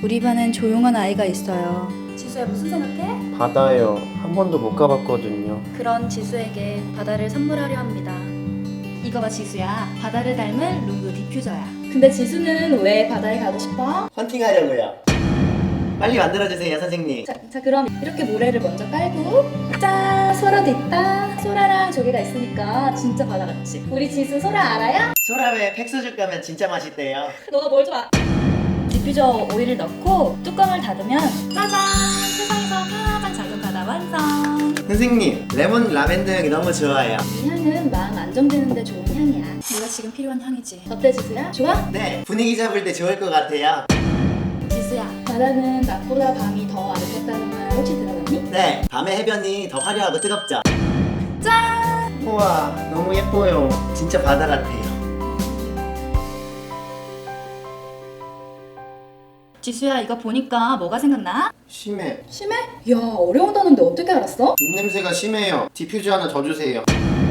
우리 반엔 조용한 아이가 있어요. 지수야, 무슨 생각해? 바다요. 한 번도 못 가봤거든요. 그런 지수에게 바다를 선물하려 합니다. 이거 봐, 지수야. 바다를 닮은 룸브 디퓨저야. 근데 지수는 왜 바다에 가고 싶어? 헌팅하려고요. 빨리 만들어주세요, 선생님. 자, 그럼 이렇게 모래를 먼저 깔고, 짠! 소라도 있다. 소라랑 조개가 있으니까 진짜 바다 같지? 우리 지수 소라 알아요? 소라회 팩소주 가면 진짜 맛있대요. 너가 뭘 좀 디퓨저 오일을 넣고 뚜껑을 닫으면 짜잔! 세상에서 가장 작은 바다 완성! 선생님, 레몬 라벤더 향이 너무 좋아요. 이 향은 마음 안정되는데 좋은 향이야. 네가 지금 필요한 향이지. 어때, 지수야? 좋아? 네, 분위기 잡을 때 좋을 것 같아요. 지수야, 바다는 낮보다 밤이 더 아름답다는 말 혹시 들어봤니? 네, 밤의 해변이 더 화려하고 뜨겁죠. 짠! 우와, 너무 예뻐요. 진짜 바다 같아요. 지수야, 이거 보니까 뭐가 생각나? 심해. 심해? 야, 어려운 단어인데 어떻게 알았어? 입냄새가 심해요. 디퓨저 하나 더 주세요.